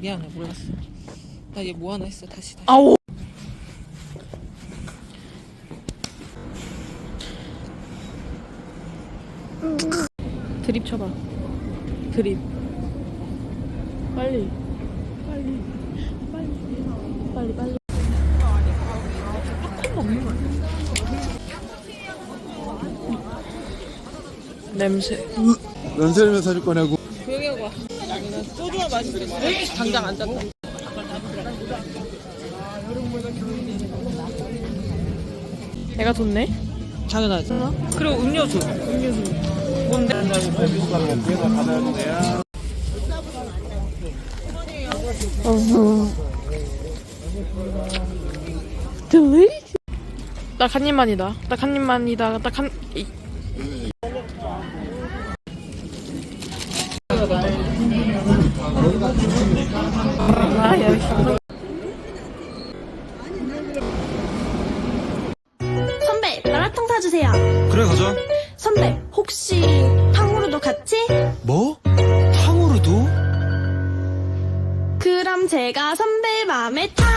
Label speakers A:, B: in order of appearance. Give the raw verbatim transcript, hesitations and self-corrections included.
A: 미안해, 몰랐어. 나 얘 뭐 하나 했어. 다시 다시.
B: 아오. 드립 쳐봐. 드립. 빨리. 빨리. 빨리. 빨리 빨리. 냄새.
C: 면세점에서 사줄 거냐고.
A: 조용히 하고 와. 나는 소주만 마실 수 있어. 당장 안 잤다.
B: 내가 줬네.
A: 당연하지. 그리고 음료수. 음료수. 뭔데?
B: delicious. 딱 한 입만이다. 딱 한 입만이다. 딱 한. 이. 아, 야.
D: 선배, 마라탕 사주세요.
C: 그래 가자.
D: 선배, 혹시 탕후루도 같이?
C: 뭐? 탕후루도?
D: 그럼 제가 선배 맘에 탕